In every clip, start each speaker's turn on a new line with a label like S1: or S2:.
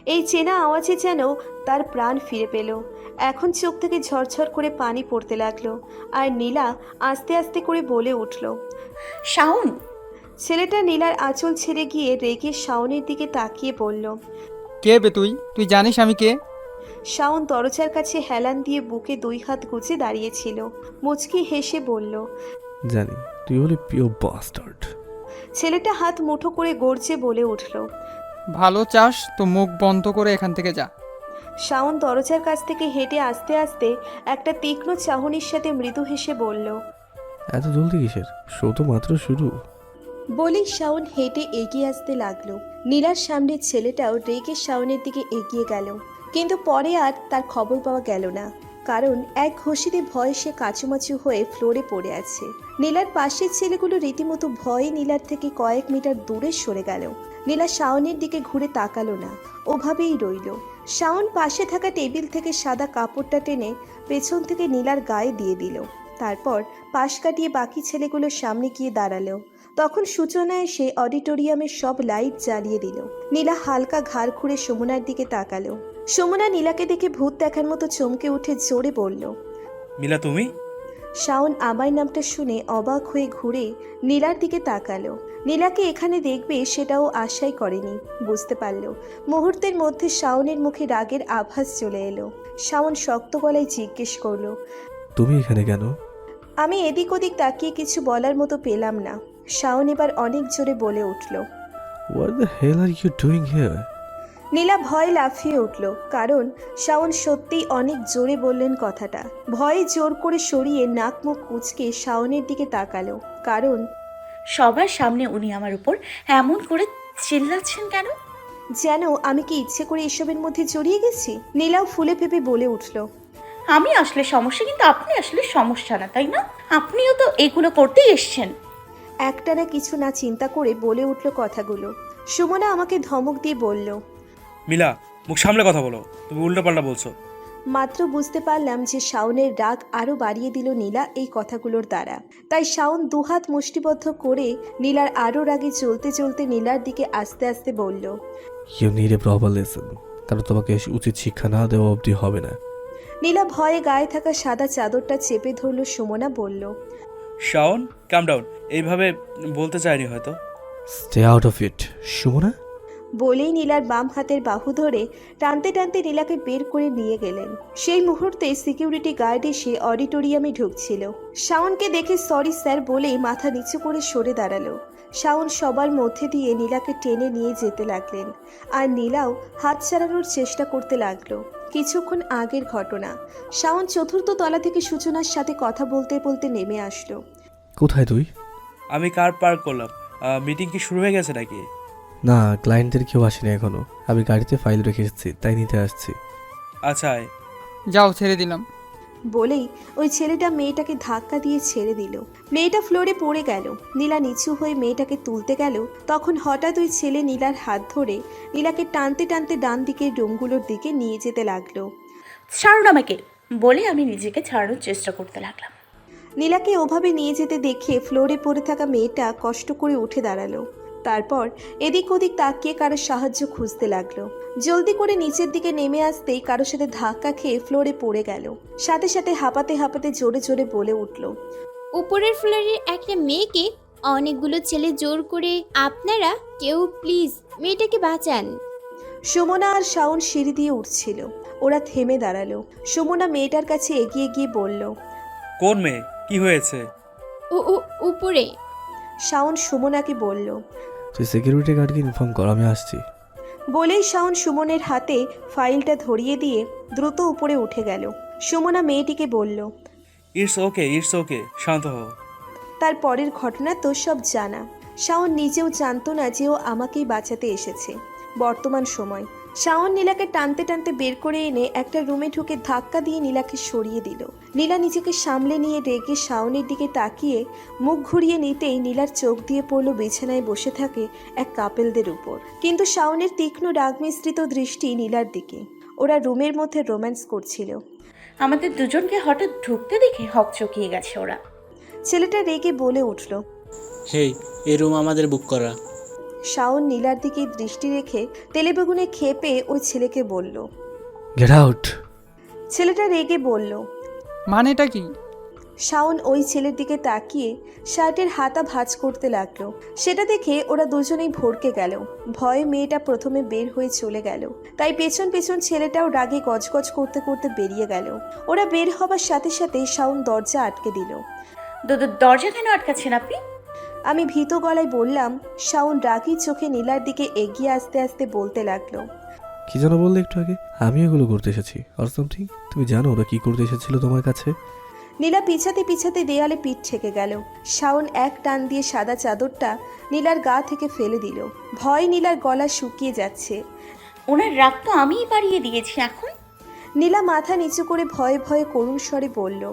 S1: এই চেনা আওয়াজে যেন তার প্রাণ ফিরে পেল। এখন চোখ থেকে ঝরঝর করে পানি পড়তে লাগলো। আর নীলা আস্তে আস্তে করে বলে উঠল,
S2: শাওন।
S1: ছেলেটা নীলার আঁচল ছেড়ে গিয়ে রেগে শাওনের দিকে তাকিয়ে বলল।
S3: কে বে তুই? তুই জানিস আমি কে?
S1: শাওন দরজার কাছে হেলান দিয়ে বুকে 2 হাত গুজে দাঁড়িয়েছিল। মুচকি হেসে বলল।
S4: জানি, তুই হলি পিওর বাস্টার্ড।
S1: ছেলেটা হাত মুঠো করে গর্জে বলে উঠল।
S3: ভালো চাস তো মুখ বন্ধ করে এখান থেকে যা।
S1: শাওন দরজার কাছ থেকে হেঁটে আস্তে আস্তে একটা তীক্ষ্ণ চাহনির সাথে মৃদু হেসে বলল।
S4: এত জলদি কিসের? শো তো মাত্র শুরু।
S1: বলেই শাওন হেঁটে এগিয়ে আসতে লাগলো। নীলার সামনের ছেলেটাও রেগে শাওনের দিকে এগিয়ে গেল, কিন্তু পরে আর তার খবর পাওয়া গেল না, কারণ এক ঘষিতে ভয়ে সে কাচুমাচু হয়ে ফ্লোরে পড়ে আছে। নীলার পাশের ছেলেগুলো রীতিমতো ভয়ে নীলার থেকে কয়েক মিটার দূরে সরে গেল। নীলা শাওনের দিকে ঘুরে তাকালো না, ওভাবেই রইল। শাওন পাশে থাকা টেবিল থেকে সাদা কাপড়টা টেনে পেছন থেকে নীলার গায়ে দিয়ে দিল। তারপর পাশ কাটিয়ে বাকি ছেলেগুলোর সামনে গিয়ে দাঁড়ালো। তখন সূচনা এসে অডিটোরিয়ামের সব লাইট জ্বালিয়ে দিল। নীলা হালকা ঘাড় ঘুরে সুমনার দিকে তাকালো। সুমনা নীলাকে দেখে ভূত দেখার মতো চমকে উঠে জোরে বলল,
S5: মিলা তুমি?
S1: শাওন আমার নামটা শুনে অবাক হয়ে ঘুরে নীলার দিকে তাকালো। নীলাকে এখানে দেখবে সেটাও আশাই করেনি। বুঝতে পারল মুহূর্তের মধ্যে শাওনের মুখে রাগের আভাস চলে এলো। শাওন শক্ত গলায় জিজ্ঞেস করলো,
S4: তুমি এখানে কেন?
S1: আমি এদিক ওদিক তাকিয়ে কিছু বলার মতো পেলাম না। শাওন এবার অনেক জোরে বলে উঠল।
S4: What the hell are you doing here?
S1: Nila ভয় লাফিয়ে উঠল, কারণ শাওন সত্যিই অনেক জোরে বললেন কথাটা। ভয়ে জোর করে সরিয়ে নাক মুখ কুঁচকে শাওনের দিকে তাকালো, কারণ
S2: সবার সামনে উনি আমার উপর এমন করে চিল্লাচ্ছেন কেন?
S1: যেন আমি কি ইচ্ছে করে এসবের মধ্যে জড়িয়ে গেছি। নীলাও ফুলে ফেপে বলে উঠল।
S2: আমি আসলে সমস্যা, কিন্তু আপনি আসলে সমস্যা না, তাই না? আপনিও তো এগুলো করতেই এসছেন।
S1: একটানা কিছু না চিন্তা করে বলে উঠল কথাগুলো। সুমনা আমাকে ধমক দিয়ে বলল।
S5: মিলা, মুখ সামলে কথা বলো, তুমি উল্টোপাল্টা বলছো।
S1: মাত্র বুঝতে পারলাম যে শাওনের রাগ আরও বাড়িয়ে দিল নীলা এই কথাগুলোর দ্বারা। তাই শাওন দুহাত মুষ্টিবদ্ধ করে নীলার আরও রাগে চলতে চলতে নীলার দিকে আস্তে আস্তে বলল।
S4: You need a proper lesson, কারণ তোমাকে উচিত শিক্ষা না দেওয়া অবধি হবে না।
S1: নীলা ভয়ে গায়ে থাকা সাদা চাদরটা চেপে ধরল। সুমনা বলল।
S5: Shaon, come down. এইভাবে বলতে চাইনি হয়তো।
S4: Stay out of it, Sumana.
S1: বলেই নীলার বাম হাতের বাহু ধরে টানতে টানতে নীলাকে বের করে নিয়ে গেলেন। সেই মুহূর্তে সিকিউরিটি গার্ড এসে অডিটোরিয়ামে ঢুকছিল। শাওনকে দেখে সরি স্যার বলেই মাথা নিচু করে সরে দাঁড়ালো। শাওন সবার মধ্যে দিয়ে নীলাকে টেনে নিয়ে যেতে লাগলেন, আর নীলাও হাত ছাড়ানোর চেষ্টা করতে লাগলো। কিছুক্ষণ আগের ঘটনা। শাওন চতুর্থ তলা থেকে সূচনার সাথে কথা বলতে বলতে নেমে আসলো।
S4: কোথায় তুই?
S5: আমি কার পার্ক করলাম। মিটিং কি শুরু হয়ে গেছে নাকি?
S4: না, ক্লায়েন্টদের কেউ আসেনি এখনো। আমি গাড়িতে ফাইল রেখে এসেছি, তাই নিতে আসছি।
S5: আচ্ছা আয়।
S3: যাও, ছেড়ে দিলাম।
S1: বলেই ওই ছেলেটা মেয়েটাকে ধাক্কা দিয়ে ছেড়ে দিল। মেয়েটা ফ্লোরে পড়ে গেল। নীলা নিচু হয়ে মেয়েটাকে তুলতে গেল, তখন হঠাৎ ওই ছেলে নীলার হাত ধরে নীলাকে টানতে টানতে ডান দিকের রুমগুলোর দিকে নিয়ে যেতে লাগলো।
S2: ছাড়ুন আমাকে, বলে আমি নিজেকে ছাড়ানোর চেষ্টা করতে লাগলাম।
S1: নীলাকে ওভাবে নিয়ে যেতে দেখে ফ্লোরে পড়ে থাকা মেয়েটা কষ্ট করে উঠে দাঁড়ালো। তারপর এদিক ওদিক তাকিয়ে কারো সাহায্য খুঁজতে লাগলো। জলদি করে নিচের দিকে নেমে আসতেই কারোর সাথে ধাক্কা খেয়ে ফ্লোরে পড়ে গেল। সাথে সাথে হাঁপাতে হাঁপাতে জোরে জোরে বলে উঠল।
S6: উপরের ফ্লোরের একটা মেয়েকে অনেকগুলো ছেলে জোর করে, আপনারা কেউ প্লিজ মেয়েটাকে বাঁচান।
S1: সুমনা আর শাওন সিঁড়ি দিয়ে উঠছিল। ওরা থেমে দাঁড়ালো। সুমনা মেয়েটার কাছে এগিয়ে গিয়ে বলল।
S5: কোন মেয়ে? কি হয়েছে?
S6: ও ও উপরে।
S1: শাওন সুমনাকে বলল।
S4: তুই সিকিউরিটি গার্ডকে ইনফর্ম কর, আমি আসছি।
S1: বলেই শাওন সুমনের হাতে ফাইলটা ধরিয়ে দিয়ে দ্রুত উপরে উঠে গেল। সুমনা মেয়েটিকে বলল।
S5: ইটস ওকে, ইটস ওকে, শান্ত হও।
S1: তার পরের ঘটনা তো সব জানা। শাওন নিজেও জানতো না যে ও আমাকেই বাঁচাতে এসেছে। বর্তমান সময় শাওন নীলাকে টানতে টানতে বের করে এনে একটা রুমে ঢুকে ধাক্কা দিয়ে নীলাকে সরিয়ে দিল। নীলা নিজেকে সামলে নিয়ে রেগে শাওনের দিকে তাকিয়ে মুখ ঘুরিয়ে নিতেই নীলার চোখ দিয়ে পড়ল বিছানায় বসে থাকে এক কাপেলদের উপর। কিন্তু শাওনের তীক্ষ্ণ রাগ মিশ্রিত দৃষ্টি নীলার দিকে। ওরা রুমের মধ্যে রোম্যান্স করছিল।
S2: আমাদের দুজনকে হঠাৎ ঢুকতে দেখে হকচকিয়ে গেছে ওরা।
S1: ছেলেটা রেগে বলে উঠল।
S7: হেই, এই রুম আমাদের বুক করা।
S1: শাওন নীলার দিকে দৃষ্টি রেখে তেলেবেগুনে খেপে ওই ছেলেকে বলল।
S4: Get out.
S1: ছেলেটা রেগে বলল।
S3: মানেটা কি?
S1: শাওন ওই ছেলের দিকে তাকিয়ে শার্টের হাতা ভাঁজ করতে লাগলো। সেটা দেখে ওরা দুজনেই ভড়কে গেল। ভয়ে মেয়েটা প্রথমে বের হয়ে চলে গেল, তাই পেছন পেছন ছেলেটাও রাগে গজগজ করতে করতে বেরিয়ে গেল। ওরা বের হবার সাথে সাথে শাওন দরজা আটকে দিল।
S2: দরজা কেন আটকাচ্ছেন আপনি?
S1: আমি ভীত গলায় বললাম। শাওন রাগী চোখে নীলার দিকে এগিয়ে আসতে আসতে বলতে লাগলো।
S4: কি যেন বললে একটু আগে? আমি এগুলো করতে এসেছি আর সামথিং। তুমি জানো ওরা কি করতে এসেছিল তোমার কাছে?
S1: নীলা পিছাতে পিছাতে দেয়ালে পিঠ ঠেকে গেল। শাওন এক টান দিয়ে সাদা চাদরটা নীলার গা থেকে ফেলে দিল। ভয় নীলার গলা শুকিয়ে যাচ্ছে।
S2: ওনার রাগ তো আমিই বাড়িয়ে দিয়েছি এখন।
S1: নীলা মাথা নিচু করে ভয়ে ভয়ে করুণ স্বরে বলল।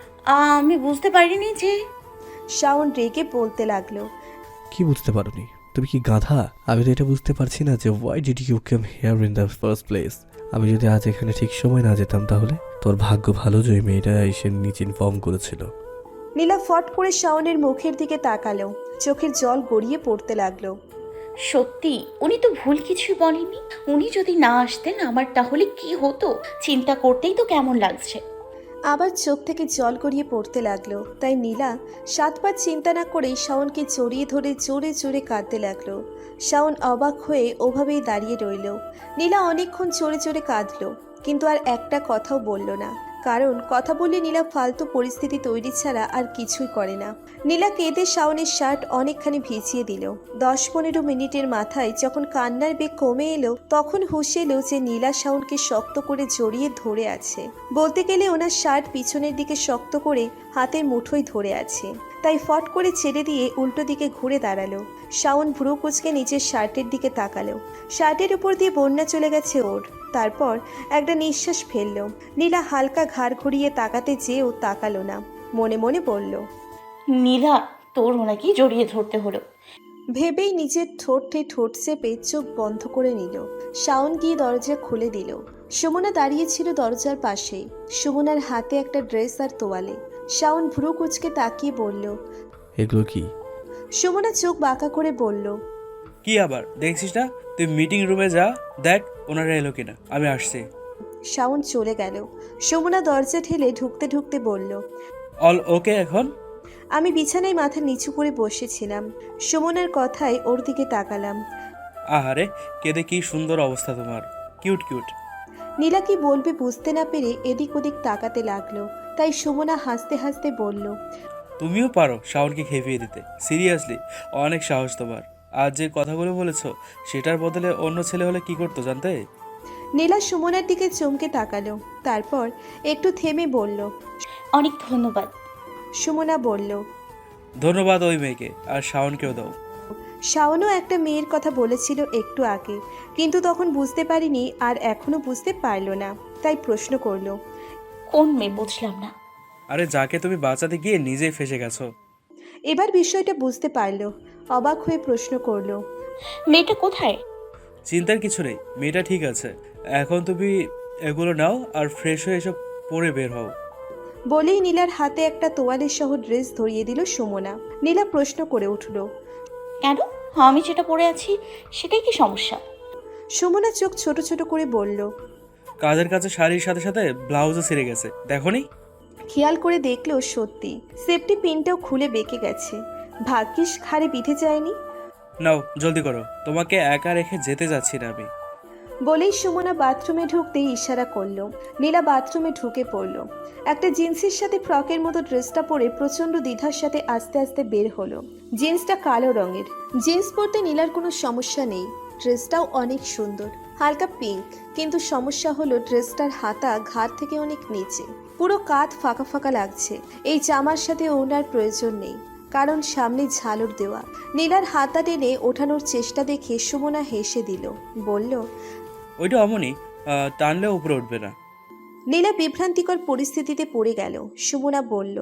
S2: আমি বুঝতে পারিনি যে।
S1: শাওন রেগে বলতে লাগলো।
S4: কি বুঝতে পারোনি? তুমি কি গাধা? আমি তো এটা বুঝতে পারছি না যে why did you come here in the first place. আমি যদি আজ এখানে ঠিক সময় না যেতাম তাহলে? তোর ভাগ্য ভালো যে ওই মেয়েটা এসে নিচে ইনফর্ম করেছিল।
S1: নীলা ফট করে শাওনের মুখের দিকে তাকালো। চোখের জল গড়িয়ে পড়তে লাগলো।
S2: সত্যি উনি তো ভুল কিছুই বলেননি। উনি যদি না আসতেন আমার তাহলে কি হতো চিন্তা করতেই তো কেমন লাগছে।
S1: আবার চোখ থেকে জল গড়িয়ে পড়তে লাগলো। তাই নীলা 7 বার চিন্তা না করেই শাওনকে জড়িয়ে ধরে জোরে জোরে কাঁদতে লাগলো। শাওন অবাক হয়ে ওভাবেই দাঁড়িয়ে রইল। নীলা অনেকক্ষণ জোরে জোরে কাঁদলো, কিন্তু আর একটা কথাও বলল না। কারণ কথা বললে নীলা ফালতু পরিস্থিতি তৈরি ছাড়া আর কিছুই করে না। নীলা কেঁদে শাওনের শার্ট অনেকখানি ভিজিয়ে দিল। 10-15 মিনিটের মাথায় যখন কান্নার বেগ কমে এলো, তখন হুঁশ এলো যে নীলা শাওনকে শক্ত করে জড়িয়ে ধরে আছে। বলতে গেলে ওনার শার্ট পিছনের দিকে শক্ত করে হাতের মুঠোয় ধরে আছে। তাই ফট করে ছেড়ে দিয়ে উল্টো দিকে ঘুরে দাঁড়ালো। শাওন ভ্রু কুঁচকে নিচের শার্টের দিকে তাকালো। শার্টের উপর দিয়ে বন্যা চলে গেছে ওর। তারপর একটা নিঃশ্বাস ফেলল। নীলা হালকা ঘাড় ঘুরিয়ে তাকাতে যেয়েও তাকালো না। মনে মনে বলল।
S2: নীলা, তোর ওনাকে জড়িয়ে ধরতে হলো।
S1: ভেবেই নিজের ঠোঁটে ঠোঁট চেপে চোখ বন্ধ করে নিল। শাওন গিয়ে দরজা খুলে দিল। সুমনা দাঁড়িয়ে ছিল দরজার পাশেই। সুমনার হাতে একটা ড্রেস আর তোয়ালে। শাওন ভ্রু কুঁচকে তাকিয়ে বলল।
S4: এগুলো কি?
S1: সুমনা চোখ বাঁকা করে বলল।
S5: কি আবার দেখছিস না? তুই মিটিং রুমে যা, দেখ ওনারা এলো কিনা, আমি আসছি।
S1: শাওন চলে গেল। সুমনা দরজা ঠেলে ঢুকতে ঢুকতে বলল।
S5: অল ওকে এখন?
S1: আমি বিছানায় মাথা নিচু করে বসেছিলাম। সুমনার কথায় ওর দিকে তাকালাম।
S5: আহারে, কেঁদে কি সুন্দর অবস্থা তোমার, কিউট কিউট।
S1: নীলা কি বলবে বুঝতে না পেরে এদিক ওদিক তাকাতে লাগলো। তাই সুমনা হাসতে হাসতে বলল।
S5: তুমিও পারো শাওনকে খেপিয়ে দিতে, সিরিয়াসলি অনেক সাহস তোমার। আজ যে কথাগুলো বলেছো সেটার বদলে অন্য ছেলে হলে কি করতো জানতে?
S1: নীলা সুমনার দিকে চমকে তাকালো। তারপর একটু থেমে বলল।
S2: অনেক ধন্যবাদ।
S1: সুমনা বলল।
S5: ধন্যবাদ ওই মেয়েকে, আর শাওনকেও দাও।
S1: শাওনও একটা মেয়ের কথা বলেছিল একটু আগে, কিন্তু তখন বুঝতে পারিনি আর এখনো বুঝতে পারলো না। তাই প্রশ্ন করলো।
S2: কোন মেয়ে বুঝলাম না।
S5: আরে যাকে তুমি বাঁচাতে গিয়ে নিজেই ফেসে গেছো।
S1: এবার বিষয়টা বুঝতে পারলো। অবাক হয়ে প্রশ্ন করলো।
S2: মেয়েটা কোথায়?
S5: চিন্তার কিছু নেই, মেয়েটা ঠিক আছে। এখন তুমি এগুলো নাও আর ফ্রেশ হয়ে এসব পরে বের হও।
S1: বলেই নীলার হাতে একটা তোয়ালের সহ ড্রেস ধরিয়ে দিল সুমনা। নীলা প্রশ্ন করে উঠল।
S2: কেন? আমি যেটা পরে আছি সেটাই কি সমস্যা?
S1: সুমনা চোখ ছোট ছোট করে বলল।
S5: কাজের কাছে শাড়ির সাথে সাথে ব্লাউজও ছিঁড়ে গেছে, দেখোনি?
S1: খেয়াল করে দেখলো সত্যি সেফটি পিনটাও খুলে বেঁকে গেছে। ভাগ্যিস ঘাড়ে বিঁধে যায়নি।
S5: নাও জলদি করো, তোমাকে একা রেখে যেতে যাচ্ছি না আমি।
S1: বলেই সুমনা বাথরুমে ঢুকতেই ইশারা করলো। নীলা বাথরুমে ঢুকে পড়ল। একটা জিন্সের সাথে ফ্রকের মতো ড্রেসটা পরে প্রচণ্ড দ্বিধার সাথে আস্তে আস্তে বের হলো। জিন্সটা কালো রঙের। জিন্স পরতে নীলার কোনো সমস্যা নেই। ড্রেসটাও অনেক সুন্দর, হালকা পিঙ্ক। কিন্তু সমস্যা হলো ড্রেসটার হাতা ঘাড় থেকে অনেক নিচে, পুরো কাঁধ ফাঁকা ফাঁকা লাগছে। এই জামার সাথে ওনার প্রয়োজন নেই, কারণ সামনে ঝালর দেওয়া। নীলার হাতা টেনে ওঠানোর চেষ্টা দেখে সুমনা হেসে দিল। বলল।
S5: ওইটা অমনি টানলে উপরে উঠবে না।
S1: নীলা বিভ্রান্তিকর পরিস্থিতিতে পড়ে গেল। সুমনা বলল।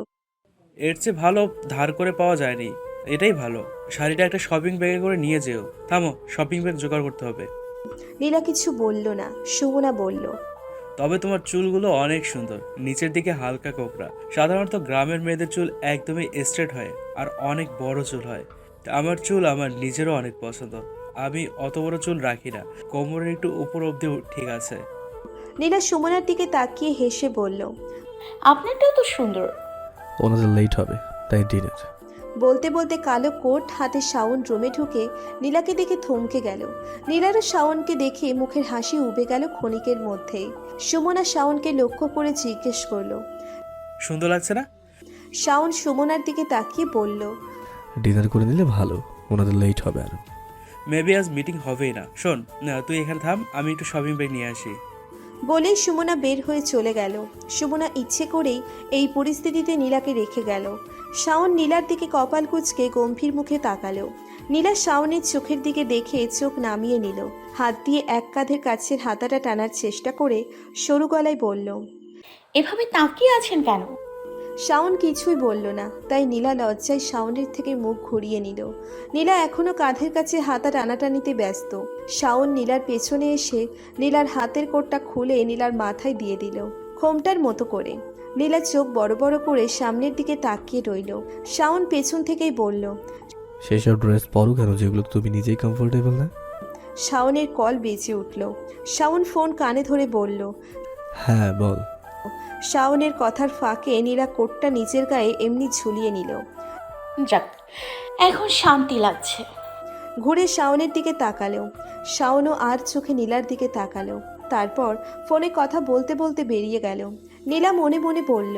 S5: এর চেয়ে ভালো ধার করে পাওয়া যায়নি, এটাই ভালো। শাড়িটা একটা শপিং ব্যাগে করে নিয়ে যেও। থামো, শপিং ব্যাগ জোগাড় করতে হবে।
S1: নীলা কিছু বলল না। সুমনা বলল।
S5: তবে তোমার চুলগুলো অনেক সুন্দর, নিচের দিকে হালকা কোকড়া। সাধারণত গ্রামের মেয়েদের চুল একদমই স্ট্রেট হয় আর অনেক বড় চুল হয়। আমার চুল আমার নিজেরও অনেক পছন্দ, আমি অত বড় চুল রাখি না, কোমরের একটু উপর অবধি ঠিক আছে।
S1: নীলা সুমনার দিকে তাকিয়ে হেসে বলল।
S2: আপনারটাও তো সুন্দর।
S4: ওনাদের লেট হবে, তাই ডিনার।
S1: বলতে বলতে কালো কোট হাতে শাওন রুমে ঢুকে নীলাকে দেখে থমকে গেল। নীলারও শাওনকে দেখে মুখের হাসি উবে গেল ক্ষণিকের মধ্যেই। সুমনা শাওনকে লক্ষ্য করে জিজ্ঞেস করলো।
S5: সুন্দর লাগছে না?
S1: শাওন সুমনার দিকে তাকিয়ে বলল।
S4: ডিনার করে নিলে ভালো, ওনাদের লেট হবে আরো।
S5: মেবি আজ মিটিং হবেই না। শোন না, তুই এখানে থাম, আমি একটু শপিং ব্যাগ নিয়ে আসি।
S1: বলেই সুমনা বের হয়ে চলে গেল। সুমনা ইচ্ছে করেই এই পরিস্থিতিতে নীলাকে রেখে গেল। শাওন নীলার দিকে কপাল কুঁচকে গম্ভীর মুখে তাকালো। নীলা শাওনের চোখের দিকে দেখে চোখ নামিয়ে নিল। হাত দিয়ে এক কাঁধের কাছের হাতাটা টানার চেষ্টা করে সরু গলায় বলল।
S2: এভাবে তাকিয়ে আছেন কেন?
S1: শাওন কিছুই বলল না, তাই নীলা লজ্জায় শাওনের থেকে মুখ ঘুরিয়ে নিল। নীলা এখনো কাঁধের কাছে হাতা টানাটানিতে ব্যস্ত। শাওন নীলার পেছনে এসে নীলার হাতের কোটটা খুলে নীলার মাথায় দিয়ে দিল, খোমটার মতো করে। নীলা চোখ বড় বড় করে সামনের দিকে তাকিয়ে রইল। শাওন পেছন থেকেই বলল।
S4: সেসব ড্রেস পরো কেন যেগুলো তুমি নিজেই কমফোর্টেবল না?
S1: শাওনের কল বেজে উঠল। শাওন ফোন কানে ধরে বলল।
S4: হ্যাঁ বল।
S1: শাওনের কথার ফাঁকে নীলা কোটটা নিচের গায়ে এমনি ঝুলিয়ে নিল।
S2: যাক, এখন শান্তি লাগছে।
S1: ঘুরে শাওনের দিকে তাকালো। শাওনও আর চোখে নীলার দিকে তাকালো। তারপর ফোনে কথা বলতে বলতে বেরিয়ে গেল। নীলা মনে মনে বলল।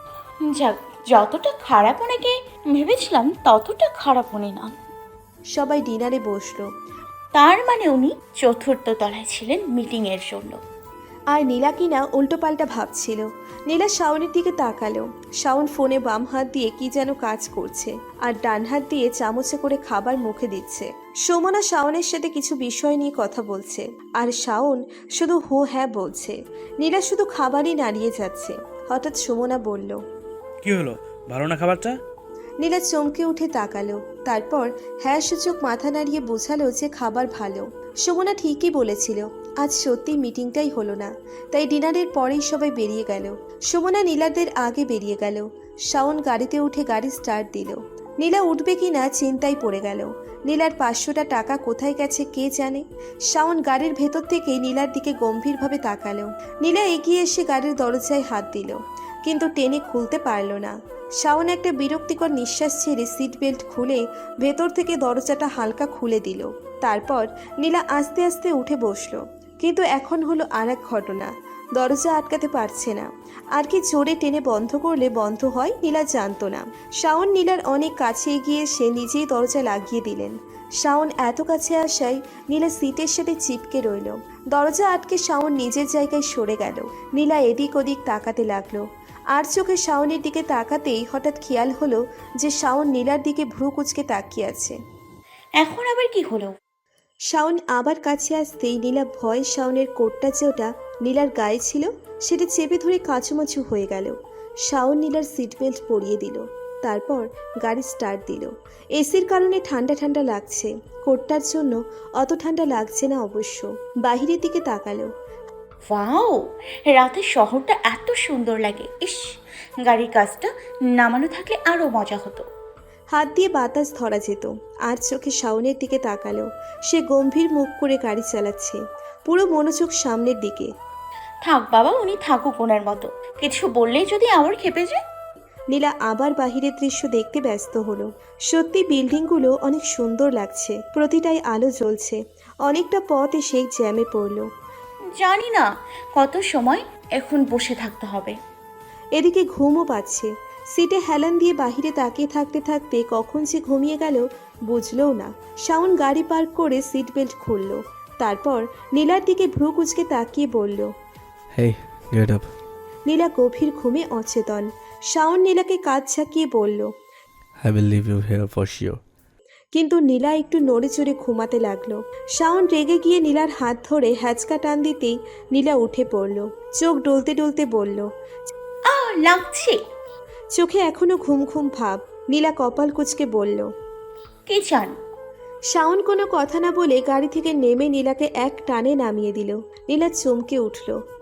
S2: যাক, যতটা খারাপ ওনাকে ভেবেছিলাম ততটা খারাপ উনি না।
S1: সবাই ডিনারে বসলো।
S2: তার মানে উনি চতুর্থ তলায় ছিলেন মিটিংয়ের জন্য।
S1: আর নীলা কিনা উল্টোপাল্টা ভাবছিল। নীলা শাওনের দিকে তাকালো। শাওন ফোনে বাম হাত দিয়ে কি যেন কাজ করছে, আর ডান হাত দিয়ে চামচে করে খাবার মুখে দিচ্ছে। সুমনা শাওনের সাথে কিছু বিষয় নিয়ে কথা বলছে, আর শাওন শুধু হো হ্যাঁ বলছে। নীলা শুধু খাবারই নাড়িয়ে যাচ্ছে। হঠাৎ সুমনা বলল।
S5: কি হলো, ভালো না খাবারটা?
S1: নীলা চমকে উঠে তাকালো। তারপর হ্যাঁ সূচক মাথা নাড়িয়ে বোঝালো যে খাবার ভালো। সুমনা ঠিকই বলেছিল, আজ সত্যি মিটিংটাই হলো না, তাই ডিনারের পরেই সবাই বেরিয়ে গেল। সুমনা নীলাদের আগে বেরিয়ে গেল। শাওন গাড়িতে উঠে গাড়ি স্টার্ট দিল। নীলা উঠবে কি না চিন্তায় পড়ে গেল। নীলার 500টা টাকা কোথায় গেছে কে জানে। শাওন গাড়ির ভেতর থেকে নীলার দিকে গম্ভীরভাবে তাকালো। নীলা এগিয়ে এসে গাড়ির দরজায় হাত দিল, কিন্তু টেনে খুলতে পারল না। শাওন একটা বিরক্তিকর নিঃশ্বাস ছেড়ে সিট বেল্ট খুলে ভেতর থেকে দরজাটা হালকা খুলে দিল। তারপর নীলা আস্তে আস্তে উঠে বসলো। কিন্তু এখন হলো আর এক ঘটনা। দরজা আটকাতে পারছে না। আর কি জোরে টেনে বন্ধ করলে বন্ধ হয় নীলা জানতো না। শাওন নীলার অনেক কাছে এগিয়ে এসে নিজেই দরজা লাগিয়ে দিলেন। শাওন এত কাছে আসায় নীলা সিটের সাথে চিপকে রইল। দরজা আটকে শাওন নিজের জায়গায় সরে গেল। নীলা এদিক ওদিক তাকাতে লাগলো। আর চোখে শাওনের দিকে তাকাতেই হঠাৎ খেয়াল হলো যে শাওন নীলার দিকে ভ্রু কুঁচকে তাকিয়ে আছে।
S2: এখন আবার কি হলো?
S1: শাওন আবার কাছে আসতেই নীলা ভয়ে শাওনের কোটটা যেটা নীলার গায়ে ছিল সেটা চেপে ধরে কাঁচুমাচু হয়ে গেল। শাওন নীলার সিট বেল্ট পরিয়ে দিল। তারপর গাড়ি স্টার্ট দিল। এসির কারণে ঠান্ডা ঠান্ডা লাগছে, কোটটার জন্য অত ঠান্ডা লাগছে না অবশ্য। বাহিরের দিকে তাকালো।
S2: ওয়াও, রাতের শহরটা এত সুন্দর লাগে। ইস, গাড়ির কাজটা নামানো থাকলে আরো মজা হতো।
S1: হাত দিয়ে বাতাস ধরা যেত। আর চোখে শাওনের দিকে তাকালো। সে গম্ভীর মুখ করে গাড়ি চালাচ্ছে, পুরো মনোযোগ সামনের দিকে।
S2: থাক বাবা, উনি থাকুক ওনার মতো। কিছু বললেই যদি আবার খেপে যায়।
S1: নীলা আবার বাহিরের দৃশ্য দেখতে ব্যস্ত হলো। সত্যি বিল্ডিংগুলো অনেক সুন্দর লাগছে, প্রতিটাই আলো জ্বলছে। অনেকটা পথ এসে জ্যামে পড়লো।
S2: জানি না কত সময় এখন বসে থাকতে হবে।
S1: এদিকে ঘুমও পাচ্ছে। সিটে হেলান দিয়ে বাহিরে তাকিয়ে থাকতে থাকতে কখন যে ঘুমিয়ে গেল বুঝলও না। শাওন গাড়ি পার্ক করে সিট বেল্ট খুলল। তারপর নীলার দিকে ভ্রু কুঁচকে তাকিয়ে বলল।
S4: হেই, গেট আপ।
S1: নীলা গভীর ঘুমে অচেতন। শাওন নীলাকে কাঁধ ঝাঁকিয়ে বলল।
S4: I will leave you here for sure.
S1: কিন্তু নীলা একটু নড়ে চড়ে ঘুমাতে লাগলো। শাওন রেগে গিয়ে নীলার হাত ধরে হ্যাচকা টান দিতেই নীলা উঠে পড়ল। চোখ ডলতে ডলতে বলল।
S2: লাগছে।
S1: চোখে এখনো ঘুম ঘুম ভাব। নীলা কপাল কুঁচকে বলল।
S2: কি চান?
S1: শাওন কোনো কথা না বলে গাড়ি থেকে নেমে নীলাকে এক টানে নামিয়ে দিল। নীলা চমকে উঠল।